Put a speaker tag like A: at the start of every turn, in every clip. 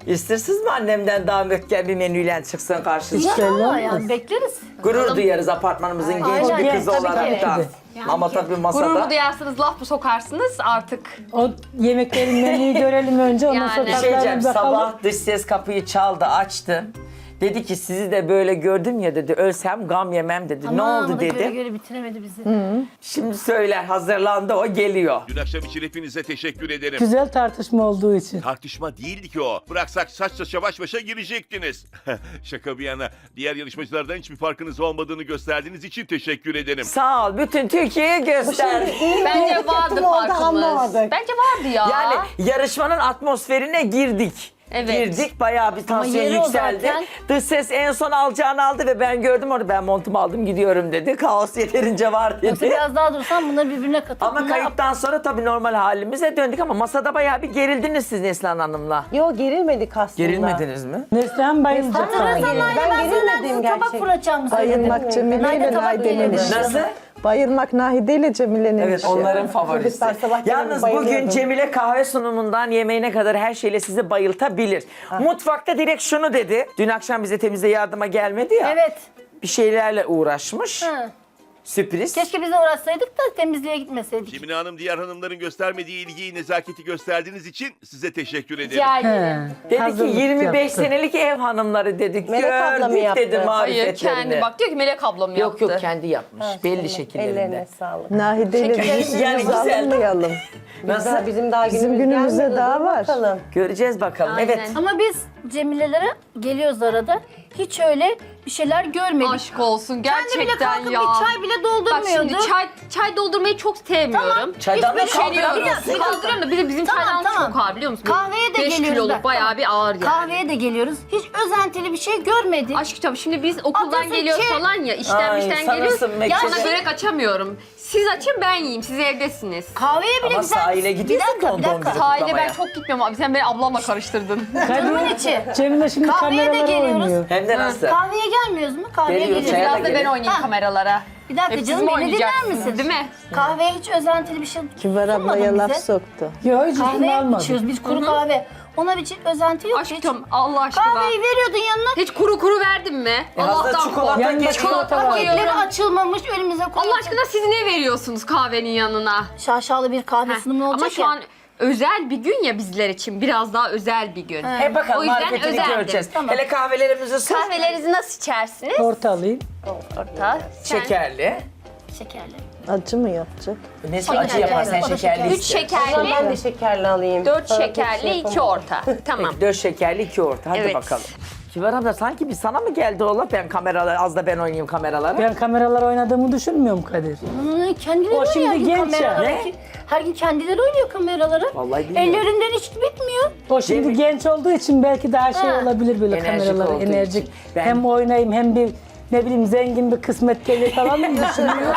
A: İstersiniz mi annemden damat bir menüyle çıksın karşınıza?
B: İnşallah yani bekleriz.
A: Gurur duyarız apartmanımızın genç
B: Aynen.
A: bir kızı
B: Tabii ki.
A: olarak da.
B: Yani
A: Ama
B: ki.
A: tabii
C: Gururumu
A: masada
C: duyarsınız, laf mı sokarsınız artık.
D: O yemeklerin menüyü görelim önce, ondan
C: Yani.
D: sonra
A: bir şey diyeceğim.
D: tatlarına bakalım.
A: Sabah dış ses kapıyı çaldı, açtı. Dedi ki sizi de böyle gördüm ya dedi. Ölsem gam yemem dedi. Ne
B: Aman,
A: oldu
B: o da Göre
A: dedi.
B: göre bitiremedi bizi.
A: Şimdi söyler, hazırlandı, o geliyor.
E: Dün akşam için hepinize teşekkür ederim.
D: Güzel tartışma olduğu için.
E: Tartışma değildi ki o. Bıraksak saç saça baş başa girecektiniz. Şaka bir yana. Diğer yarışmacılardan hiçbir farkınız olmadığını gösterdiğiniz için teşekkür ederim.
A: Sağ ol. Bütün Türkiye'ye göster.
C: Bence vardı farkımız. Bence vardı ya.
A: Yani yarışmanın atmosferine girdik.
C: Evet.
A: Girdik, bayağı bir tansiyon
B: yeri o
A: yükseldi.
B: zaten.
A: Dış ses en son alacağını aldı ve ben gördüm orada. Ben montumu aldım gidiyorum dedi. Kaos yeterince var
B: Yoksa
A: dedi.
B: biraz daha dursan bunları birbirine katıp...
A: Ama
B: bunlar-
A: kayıptan sonra tabii normal halimize döndük ama masada bayağı bir gerildiniz siz Neslihan Hanım'la.
F: Yo, gerilmedik aslında.
A: Gerilmediniz mi?
D: Neslihan bayılacak.
B: Sen
F: Ben gerilmedim
B: gerilmedim
F: gerçek.
B: tabak fırlatacağım.
F: Bayılmak Cemile
B: Naide
F: ile
B: tabak
F: Naide'nin
B: geliyor.
F: işi.
A: Nasıl?
F: Bayılmak Nahide ile Cemile'nin
A: Evet,
F: işi.
A: onların favorisi.
F: Çocuklar sabah
A: Yalnız
F: gelip
A: bugün
F: bayılıyordum.
A: Cemile kahve sunumundan yemeğine kadar her şeyle sizi bayıltabilir. Mutfakta direkt şunu dedi. Dün akşam bize temizliğe yardıma gelmedi ya.
B: Evet.
A: Bir şeylerle uğraşmış.
B: Hı.
A: Sürpriz.
B: Keşke biz de uğraşsaydık da temizliğe gitmeseydik.
E: Cemile Hanım diğer hanımların göstermediği ilgiyi, nezaketi gösterdiğiniz için size teşekkür ederim.
C: Rica ederim.
D: He,
A: Dedi ki
D: hazırlık
A: 25
D: yaptı.
A: senelik ev hanımları dedik.
F: Melek abla mı
A: Gördük
F: yaptı?
A: dedi
C: Hayır
A: marifetlerini.
C: kendi bak diyor ki Melek ablam
A: Yok
C: yaptı.
A: yok kendi yapmış. Belli şekillerinde.
F: Ellerine sağlık. Nahide ile
A: Yani
F: bizim
A: güzel.
F: günümüzü almayalım.
A: Nasıl?
F: Bizim günümüze daha var. Bakalım.
A: Göreceğiz bakalım.
C: Aynen.
A: Evet.
B: Ama biz Cemile'lere geliyoruz arada. Hiç öyle bir şeyler görmedik.
C: Aşk olsun
B: Kendi bile
C: gerçekten
B: kalkıp
C: ya.
B: bir çay bile
C: Bak
B: doldurmuyordu.
C: şimdi çay doldurmayı çok sevmiyorum.
A: Çaydan da
C: Hiçbir şey
A: kaldırıyorsun.
C: yok. Kaldırıyorum da bir de bizim
B: Tamam,
C: çaydanlık
B: tamam.
C: çok ağır biliyor musun?
B: Kahveye de
C: 5
B: geliyoruz
C: kiloluk
B: bak,
C: bayağı
B: tamam.
C: bir ağır yani.
B: Kahveye de geliyoruz. Hiç özentili bir şey görmedik.
C: Aşkım şimdi biz okuldan
B: Atasın
C: geliyoruz
B: ki-
C: falan ya, işten
A: Ay,
C: işten
A: sanırsın
C: geliyoruz.
A: Mekke-
C: Sana börek açamıyorum. Siz açın ben yiyeyim, siz evdesiniz.
B: Kahveye bile
A: Ama
B: güzel.
A: sahile gidiyorsun
B: Bir dakika,
A: don
B: bir
A: don
B: dakika.
A: gidip.
C: Sahile
A: kutlamaya.
C: ben çok gitmiyorum abi, sen beni ablamla karıştırdın.
B: Canımın içi.
D: Cemile şimdi
B: Kahveye de
D: kameralara
B: geliyoruz.
D: oynuyor.
A: Hem de nasıl?
B: Kahveye gelmiyoruz mu? Kahveye
A: Geliyoruz,
B: geliyoruz.
A: çaya
C: Biraz da ben oynayayım
B: Ha.
C: kameralara.
B: Bir dakika
C: Hep siz
B: canım
C: mi
B: beni dinler
C: oynayacaksınız,
B: misin?
C: değil mi?
B: Kahveye hiç özentili bir şey
F: Kibar
B: sunmadın
F: ablaya laf
B: bize.
F: soktu.
D: Yok, hiç üstüne
B: Kahve
D: almadım.
B: içiyoruz biz kuru kahve. Ona bir özenti yok. hiç.
C: Aşkım Allah aşkına.
B: Kahveyi veriyordun yanına.
C: Hiç kuru kuru verdin mi?
A: Hazır
C: Allah'tan
A: çikolata
C: kork.
D: Yanında
A: geçiyor.
D: çikolata var.
B: Paketleri açılmamış önümüze koyuyorsun.
C: Allah aşkına siz ne veriyorsunuz kahvenin yanına?
B: Şaşalı bir kahve sunumu olacak
C: Ama şu
B: ya.
C: an özel bir gün ya bizler için. Biraz daha özel bir gün.
A: Hep
C: O
A: bakalım
C: yüzden
A: marifetini
C: özeldi.
A: göreceğiz.
B: Tamam.
A: Hele kahvelerimizi sır.
C: Kahvelerinizi nasıl içersiniz?
D: Orta alayım.
C: Orta.
A: Şekerli.
B: Şekerli.
F: Acı mı yapacak?
A: Neyse acı yapar sen
B: O da
A: şekerli
B: şekerli.
C: 3
A: iste.
C: şekerli,
F: Ben de şekerli alayım.
C: 4
F: Sana
C: şekerli,
F: bir şey
C: 2 orta. Tamam.
A: 4 şekerli 2 orta. Hadi
C: Evet.
A: bakalım. Kibar abla sanki bir sana mı geldi ola? Ben kameralara az da ben oynayayım kameralara.
D: Ben kameralara oynadığımı düşünmüyorum Kadir.
B: Kendileri
D: O şimdi
B: oynuyor
D: genç ya.
B: kameralara.
A: Ne?
B: Her gün kendileri oynuyor kameralara.
A: Vallahi bilmiyorum.
B: Ellerinden hiç bitmiyor.
D: O şimdi
A: Cemil-
D: genç olduğu için belki daha şey
B: Ha.
D: olabilir böyle
A: Enerjik
D: kameralara
A: olduğu
D: enerjik.
A: için. Ben-
D: Hem oynayayım hem bir ne bileyim zengin bir kısmet gelir falan mı düşünüyor?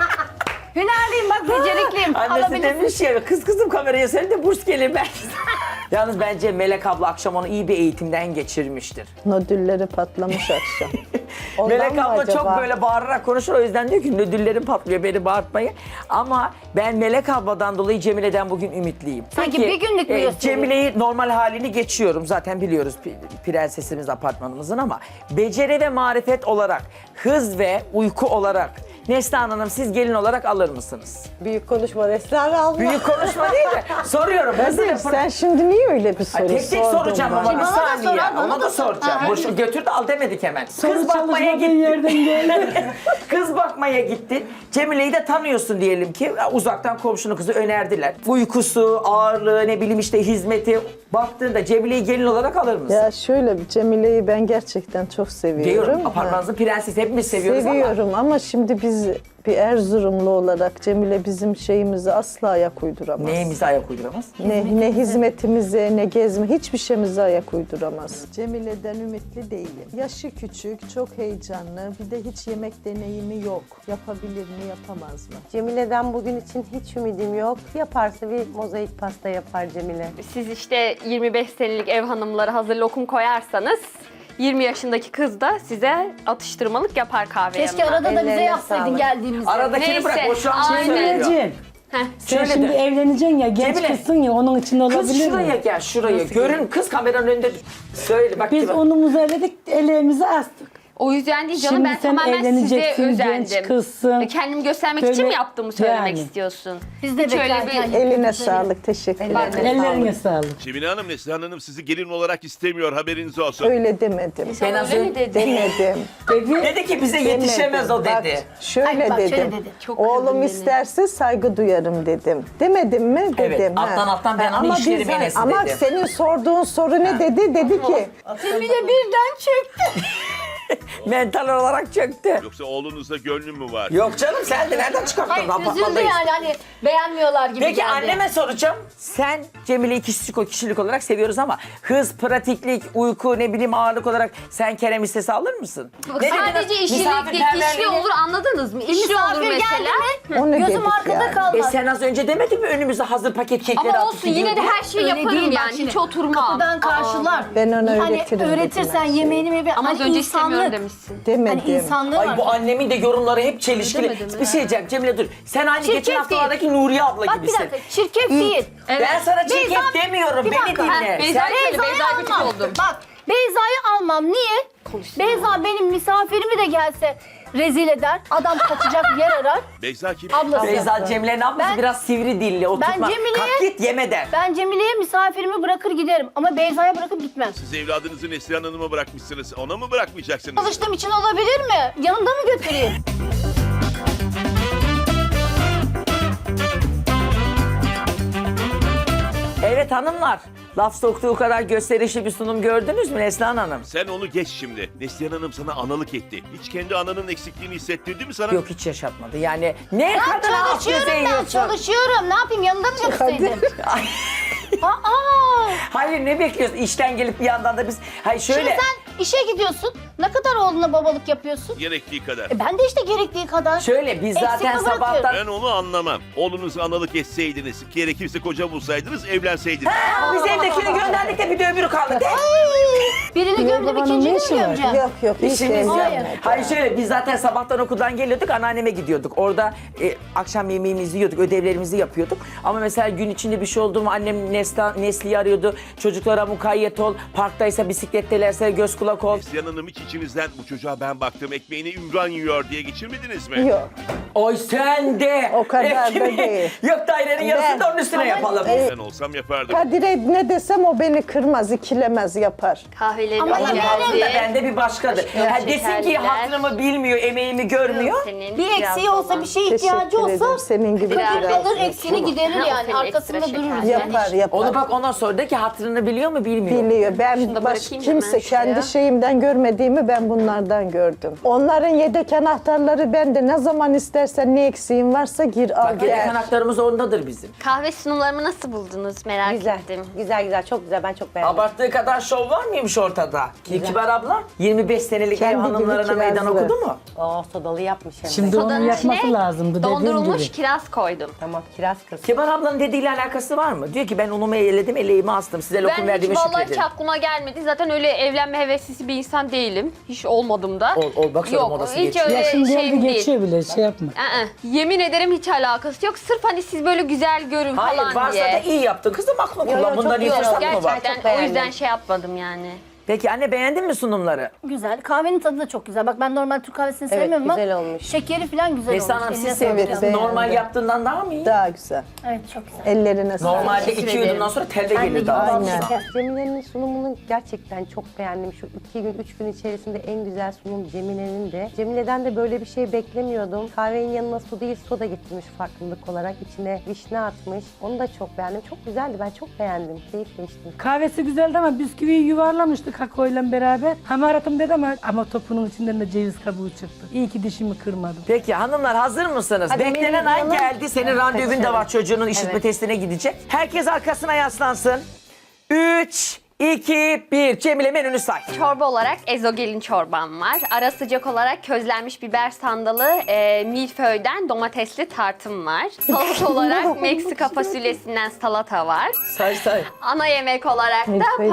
B: Hünerliyim bak becerikliyim.
A: Annesi
B: Alabilirsin.
A: demiş ya kız kızım kameraya sen de burs gelir belki. Yalnız bence Melek abla akşam onu iyi bir eğitimden geçirmiştir.
F: Nodülleri patlamış akşam. Ondan
A: Melek
F: mı
A: abla
F: acaba?
A: çok böyle bağırarak konuşur o yüzden diyor ki nödüllerim patlıyor beni bağırtmayın. Ama ben Melek abladan dolayı Cemile'den bugün ümitliyim.
B: Peki, bir günlük mü gösteri?
A: Cemile'yi normal halini geçiyorum zaten biliyoruz prensesimiz apartmanımızın ama beceri ve marifet olarak hız ve uyku olarak Neslihan Hanım siz gelin olarak alır mısınız?
F: Büyük konuşma Neslihan abla.
A: Büyük konuşma değil de soruyorum. Hızlı
F: Kadir
A: yapın.
F: sen şimdi niye öyle bir soru
A: Ay, tek tek
F: sordun
A: soracağım
F: bana?
A: ama bir
B: Bana da
A: saniye.
B: sorar, bana
A: Ona
B: da
A: da
B: sor.
A: soracağım.
B: Ha,
A: Boşu götür de al demedik hemen.
D: Soru
A: Kız bakmaya
D: çalışmadığı
A: gittin.
D: yerden geldi.
A: Kız bakmaya gittin. Cemile'yi de tanıyorsun diyelim ki. Uzaktan komşunun kızı önerdiler. Uykusu, ağırlığı, ne bileyim işte hizmeti. Baktığında Cemile'yi gelin olarak alır mısın?
F: Ya şöyle bir Cemile'yi ben gerçekten çok seviyorum.
A: Diyorum
F: Ha.
A: apartmanınızın prensesi hepimiz seviyoruz ama.
F: Seviyorum ama şimdi biz bir Erzurumlu olarak Cemile bizim şeyimizi asla ayak uyduramaz.
A: Neyimize ayak uyduramaz?
F: Ne hizmetimize, ne gezme, hiçbir şeyimize ayak uyduramaz. Cemile'den ümitli değilim. Yaşı küçük, çok heyecanlı, bir de hiç yemek deneyimi yok. Yapabilir mi, yapamaz mı?
G: Cemile'den bugün için hiç ümidim yok. Yaparsa bir mozaik pasta yapar Cemile.
C: Siz işte 25 senelik ev hanımları hazır lokum koyarsanız 20 yaşındaki kız da size atıştırmalık yapar kahve
B: Keşke
C: yanına.
B: arada da bize
G: Ellerine
B: yapsaydın
G: sağlık.
B: geldiğimizde.
A: Aradakini
C: Neyse,
A: bırak. O şu an şey
C: aynen.
A: söylüyor.
D: Cemileciğim,
C: Heh.
D: sen
A: Şöyle
D: şimdi
A: de.
D: evleneceksin ya, genç
A: Cemile.
D: kızsın ya, onun için
A: Kız
D: olabilir
A: şuraya
D: mi?
A: gel şuraya. Görün kız kameranın önünde. Söyle bak
D: Biz
A: ki bak.
D: unumuzu eledik, eleğimizi astık.
C: O yüzden değil canım,
D: Şimdi
C: ben
D: sen
C: tamamen size
D: evleneceksin,
C: özendim.
D: genç kızsın.
C: Kendimi göstermek için
D: Böyle-
C: mi yaptığımı söylemek
D: Yani.
C: istiyorsun?
B: Biz de
C: Hiç öyle
B: bekarken
C: bir...
F: Eline sağlık, teşekkür ederim.
D: Ellerine sağlık.
E: Cemile Hanım, Neslihan Hanım sizi gelin olarak istemiyor, haberiniz olsun.
F: Öyle demedim.
A: Ben az
C: Öyle mi
A: önce
C: dedin?
F: Demedim.
A: dedi ki bize yetişemez o
F: Bak,
A: dedi.
F: şöyle
B: Ay, bak, şöyle
F: dedim.
B: dedi.
C: Çok kırdın
F: Oğlum
C: beni.
F: isterse saygı duyarım dedim. Demedim mi?
A: Evet,
F: Dedim.
A: alttan alttan ben onu işlerim
F: biz-
A: Enes'i
F: Ama
A: dedim.
F: senin sorduğun soru ne dedi? Dedi ki
B: Cemile birden çöktü.
A: Mental olarak çöktü.
E: Yoksa oğlunuzda gönlü mü var?
A: Yok canım sen de nereden çıkarttın?
B: Hayır üzüldü
A: Apartmandayız.
B: yani hani beğenmiyorlar gibi
A: Peki
B: geldi.
A: anneme soracağım. Sen Cemile'yi kişilik olarak seviyoruz ama hız, pratiklik, uyku, ne bileyim ağırlık olarak sen Kerem istese alır mısın? Ne
C: Sadece
A: dediniz?
C: işçilik değil, işi
A: Misafirperverliğini-
C: olur, anladınız mı? İşi olur
B: Misafir
C: mesela.
B: geldi mi?
F: onu
B: Gözüm
F: dedik
B: arkada
F: yani.
B: kalmaz.
A: Sen az önce demedin mi önümüze hazır paket kekleri
C: Ama
A: atıp
C: olsun, yine de
A: gidiyor
C: her şeyi
B: Öyle
C: yaparım
B: değil, bak
C: yani,
B: şimdi
C: hiç oturmam.
B: Kapıdan karşılar.
F: Ben ona
B: Hani
F: öğretirim dedim
B: öğretirsen
F: her şeyi.
B: yemeğini mi?
C: Ama az
B: hani
C: önce istemiyorum
B: insanlık.
C: demişsin.
F: demedim.
B: Hani insanlığı
A: Ay
B: var.
A: bu annemin de yorumları hep çelişkili.
C: Demedim
A: Bir şey diyeceğim Cemile dur. Sen aynı
B: Çirkef
A: geçen haftalardaki Nuriye abla
B: Bak bir
A: gibisin.
B: dakika çirkef değil.
A: Ben sana çirkef
B: Beyza-
A: demiyorum.
B: Bir
A: Beni
B: dakika.
A: dinle.
C: Beyza'yı söyle, Beyza'ya gıcık
B: almam.
C: oldum.
B: Bak Beyza'yı almam. Niye? Beyza benim misafirimi de gelse rezil eder. Adam kaçacak yer arar.
E: Beyza kim?
B: Ablası.
A: Beyza Cemile'nin ablası
B: Ben-
A: biraz sivri dilli. Oturtma.
B: Cemile'ye-
A: Kalk git yeme der.
B: Ben Cemile'ye misafirimi bırakır giderim. Ama Beyza'ya bırakıp gitmem.
E: Siz evladınızı Neslihan Hanım'a bırakmışsınız. Ona mı bırakmayacaksınız?
B: Çalıştığım için olabilir mi? Yanımda mı götüreyim?
A: Evet hanımlar. Laf soktuğu kadar gösterişli bir sunum gördünüz mü Neslihan Hanım?
E: Sen onu geç şimdi. Neslihan Hanım sana analık etti. Hiç kendi ananın eksikliğini hissettirdi mi sana?
A: Yok hiç yaşatmadı. Yani ne
B: Ben
A: kadar
B: çalışıyorum ben çalışıyorum. Ne yapayım yanında mı götürseydim? Aa!
A: Hayır ne bekliyorsun? İşten gelip bir yandan da biz... Hayır
B: Şimdi
A: şöyle...
B: sen işe gidiyorsun. Ne kadar oğluna babalık yapıyorsun?
E: Gerektiği kadar.
B: Ben de işte gerektiği kadar.
A: Şöyle biz
B: Eksik
A: zaten
B: mi bırakıyorum?
A: sabahtan...
E: Ben onu anlamam. Oğlunuzu analık etseydiniz, gerekirse koca bulsaydınız, evlenseydiniz.
A: Biz evdekini gönderdik de bir de öbürü kaldı. De.
B: Birini gömdüm
D: babanın
B: ikinciyi
D: ne
B: mi
D: işi var?
B: gömeceğim?
F: Yok yok hiç
A: İşimiz yok.
F: evlenmedim.
A: Hayır şöyle biz zaten sabahtan okuldan geliyorduk anneanneme gidiyorduk. Orada akşam yemeğimizi yiyorduk, ödevlerimizi yapıyorduk. Ama mesela gün içinde bir şey oldu mu annem Nesli'yi arıyordu. Çocuklara mukayyet ol, parktaysa bisiklettelerse göz kulak ol.
E: Neslihan Hanım hiç içinizden bu çocuğa ben baktım ekmeğini Ümran yiyor diye geçirmediniz mi?
F: Yok.
A: Oy sen de.
F: O kadar da
A: Ekmeği-
F: değil.
A: Yok dairenin yarısını da onun üstüne yapalım.
E: Ben olsam yapardım.
F: Kadir'e ne desem o beni kırmaz, ikilemez, yapar.
C: Kahveleri
B: Ama
A: Onun
B: yani-
A: altında bende bir başkadır. Ha, desin ki
C: şekerliler.
A: hatırımı bilmiyor, emeğimi görmüyor.
C: Senin
B: Bir eksiği olsa, bir şeye ihtiyacı
F: Teşekkür
B: olsa
F: ederim. Senin gibi
C: Biraz
B: Kadir
F: biraz
B: alır eksiğini giderir
C: Ha, o
B: yani.
C: senin
B: Arkasında
C: ekstra
B: dururuz
C: şeker.
B: yani.
F: yapar yapar.
A: Onu bak ondan sonra de ki hatırını biliyor mu bilmiyor.
F: Biliyor. Ben
C: da
F: baş
C: bırakayım
F: kimse
C: hemen şuraya.
F: kendi şeyimden görmediğimi ben bunlardan gördüm. Onların yedek anahtarları bende. Ne zaman istersen ne eksiğin varsa gir al
A: Bak yedek
F: gel.
A: anahtarımız ondadır bizim.
C: Kahve sunumlarımı nasıl buldunuz merak
G: Güzel.
C: ettim.
G: Güzel güzel çok güzel ben çok beğendim.
A: Abarttığı kadar şov var mıymış ortada? Kibar abla 25 senelik
F: Kendi
A: ev hanımlarına
F: gibi
A: meydan
F: kirazlı.
A: okudu mu?
G: Sodalı yapmış hem de.
D: Şimdi onun
C: Sodanın
D: yapması
C: içine
D: lazımdı dediğim
C: Dondurulmuş
D: gibi.
C: kiraz koydum.
G: Tamam kiraz kız.
A: Kibar ablanın dediğiyle alakası var mı? Diyor ki ben unumu eledim, eleğimi astım. Size lokum
C: Ben hiç
A: verdiğime
C: vallahi hiç
A: şükredin.
C: aklıma gelmedi. Zaten öyle evlenme heveslisi bir insan değilim. Hiç olmadım da.
A: Ol bak sonra
C: Yok
A: modası
C: hiç
A: geçiyor.
C: öyle
D: Yaşın geldi
C: şeyim değil.
D: geçiyor bile şey yapma.
C: Yemin ederim hiç alakası yok. Sırf hani siz böyle güzel görün
A: Hayır
C: falan
A: varsa
C: diye.
A: da iyi yaptın. Kızım aklını
G: Yo,
A: kullan.
G: yo,
A: Bundan
G: çok
A: iyi
G: iyi
A: fırsat
G: oldu.
A: mı var?
C: Gerçekten
G: çok
C: o yüzden
G: beğendim.
C: şey yapmadım yani.
A: Peki anne beğendin mi sunumları?
B: Güzel. Kahvenin tadı da çok güzel. Bak ben normal Türk kahvesini
G: Evet,
B: sevmiyorum ama
G: güzel olmuş.
B: şekeri falan güzel
A: Neslihan
B: olmuş.
A: Hanım
B: Eline
A: siz
B: sağlık.
A: sevdiniz.
F: beğendim.
A: Normal yaptığından daha mı iyi?
F: Daha güzel.
B: Evet çok güzel.
F: Ellerine sağlık.
A: Normalde
C: Teşekkür
A: 2
C: ederim.
A: yudumdan sonra telde
B: Ben de
A: geliyor daha.
F: Aynen.
G: Cemile'nin sunumunu gerçekten çok beğendim. Şu 2 gün, 3 gün içerisinde en güzel sunum Cemile'nin de. Cemile'den de böyle bir şey beklemiyordum. Kahvenin yanına su değil soda getirmiş farklılık olarak. İçine vişne atmış. Onu da çok beğendim. Çok güzeldi. Ben çok beğendim. Keyifle içtim.
D: Kahvesi güzeldi ama bisküviyi yuvarlamıştı kakaoyla beraber. Hamaratım dedi ama topunun içinden de ceviz kabuğu çıktı. İyi ki dişimi kırmadım.
A: Peki hanımlar hazır mısınız?
G: Hadi
A: Beklenen
G: benim
A: an
G: yanım-
A: geldi. Senin randevun da var çocuğunun işitme
G: Evet.
A: testine gidecek. Herkes arkasına yaslansın. 3, 2, 1. Cemile menünü say.
C: Çorba olarak ezogelin çorbam var. Ara sıcak olarak közlenmiş biber sandalı, milföyden domatesli tartım var. Salata olarak Meksika fasulyesinden salata var.
A: Say say.
C: Ana yemek olarak da
F: Milföy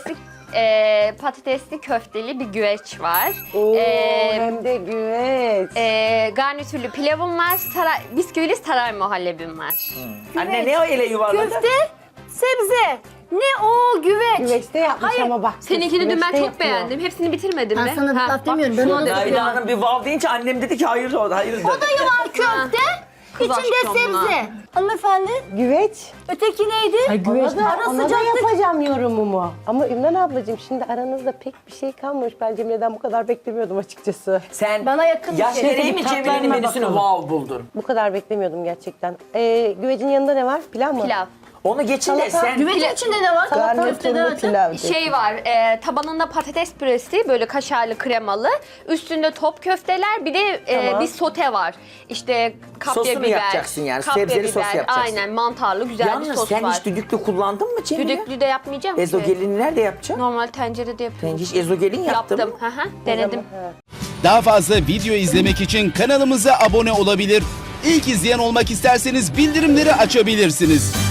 C: patatesli köfteli bir güveç var.
G: Oo,
C: E,
G: hem de güveç.
C: garnitürlü pilavım var. Bisküvili saray muhallebim var.
A: Anne ne o ele yuvarladı?
B: Köfte, sebze. Ne o güveç?
G: Güveçte yapmış
B: Hayır,
G: ama bak.
C: Seninkini dün ben
G: güveçte
C: çok
G: yapıyor.
C: beğendim. Hepsini bitirmedim
B: Ben
C: mi?
B: sana laf
C: bak,
B: demiyorum, ben
C: şu
B: onu
C: an
B: da
C: dedim.
A: Naila Hanım bir vav deyince annem dedi ki hayır oldu, hayırdır.
B: Odayı var köfte.
C: Kız
B: İçinde
C: aşkım lan.
B: sebze. Hanımefendi,
G: Güveç.
B: öteki neydi?
D: Ay güveç.
G: Ona da yapacağım yorumumu. Ama Ümran ablacığım şimdi aranızda pek bir şey kalmamış. Ben Cemile'den bu kadar beklemiyordum açıkçası.
A: Sen
B: Bana yakın bir
A: yaş
B: şey.
A: gereği mi Cemile'nin
D: Tatlarına
A: menüsünü
D: bakalım.
A: wow buldun?
G: Bu kadar beklemiyordum gerçekten. Güvecin yanında ne var? Pilav mı?
C: Pilav.
A: Onu geçin de
G: Salata.
A: sen...
B: Güvecin içinde ne var? Köfteden
F: Garnitürlü
B: öte.
F: pilav dedi.
C: Şey var, tabanında patates püresi böyle kaşarlı kremalı. Üstünde top köfteler, bir de
G: Tamam.
C: bir sote var. İşte kapya
A: Sosunu
C: biber.
A: yapacaksın yani,
C: kapya
A: sebzeli sos
C: biber,
A: yapacaksın.
C: Aynen, mantarlı güzel bir
A: Yalnız
C: sos
A: sen
C: var.
A: hiç düdüklü kullandın mı Cemile?
C: Düdüklü de yapmayacağım ki.
A: Ezogelini nerede yapacaksın?
C: Normal tencerede yapıyorum.
A: Sen hiç ezogelin yaptın
C: Yaptım,
A: mı?
C: hı hı, denedim.
H: Daha fazla video izlemek için kanalımıza abone olabilir. İlk izleyen olmak isterseniz bildirimleri açabilirsiniz.